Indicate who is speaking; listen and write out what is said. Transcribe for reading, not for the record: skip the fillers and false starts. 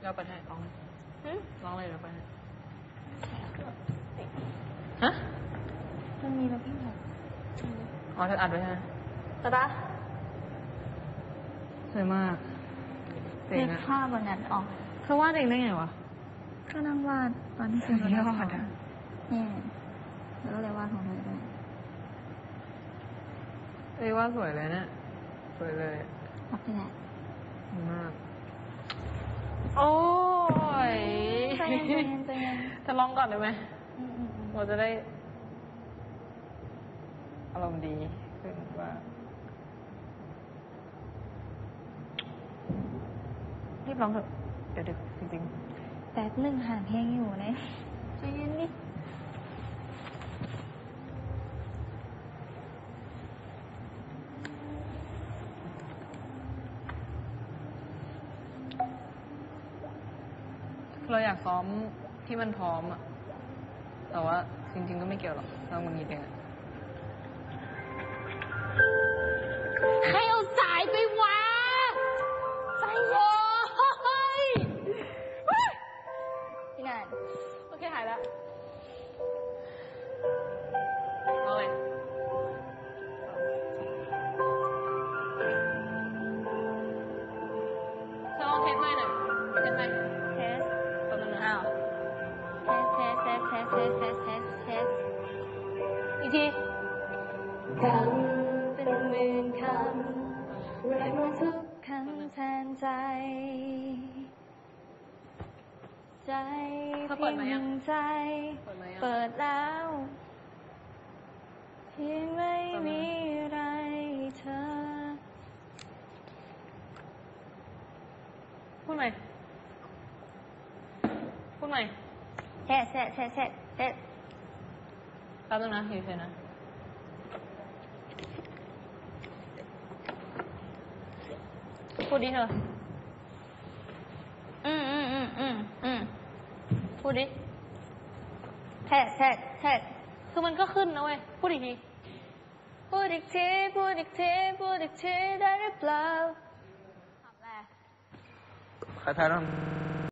Speaker 1: เราไปให้ร้องร้องเลยเราไปให้ฮะ
Speaker 2: มันมีแบบพี่หมด
Speaker 1: อ๋อเธออัดไว้ใช่ไหม
Speaker 2: แต่ปะ
Speaker 1: สวยมาก
Speaker 2: เด็กภาพวันนั้นออก
Speaker 1: เธอวาดเองได้ไงวะ
Speaker 2: ก็นั่งวาดตอนที่
Speaker 1: สุดยอดอ่ะ
Speaker 2: นี่แล้วก็เลยวาดของเธอด้วย
Speaker 1: ว่าสวยเลยเนี่ยสวยเลย
Speaker 2: ขอบคุณแหละ
Speaker 1: มากโอ้ย
Speaker 2: ใจเย็น
Speaker 1: จะลองก่อนได้ไหมเราจะได้อารมณ์ดีขึ้นว่ารีบร้องเถอะเดี๋ยวดึกจริง
Speaker 2: ๆแป๊บหนึ่งห่างเพลงอยู่นะใจเย็นดิ
Speaker 1: เราอยากซ้อมที่มันพร้อมอะแต่ว่าจริงๆก็ไม่เกี่ยวหรอกเรามันมีเพลง
Speaker 2: ใครเอาสายไปวะสายโว้ยพี่นัน
Speaker 1: โอเคหายแล้วเอาเลยเธอลองเทสไหมหน่อยเทสไหม
Speaker 2: เทส
Speaker 1: ตอนนั้นอ้าว
Speaker 2: เทสอีกทีคำเป็นหมื่นคำเรียกว่าทุกคำแทนใจใจเพียงหนึ่งใจเปิดแล้วเพียงไม่มีอะไรเธอ
Speaker 1: พูดใหม่
Speaker 2: เทสแป๊
Speaker 1: บนึงนะอยู่เฉยนะพูดดิเธอพูดดิ
Speaker 2: เทส
Speaker 1: คือมันก็ขึ้นนะเว้ยพูดอีกที
Speaker 2: ได้หรือเปล่าทำอะไร
Speaker 1: ใครแพ้ต้อง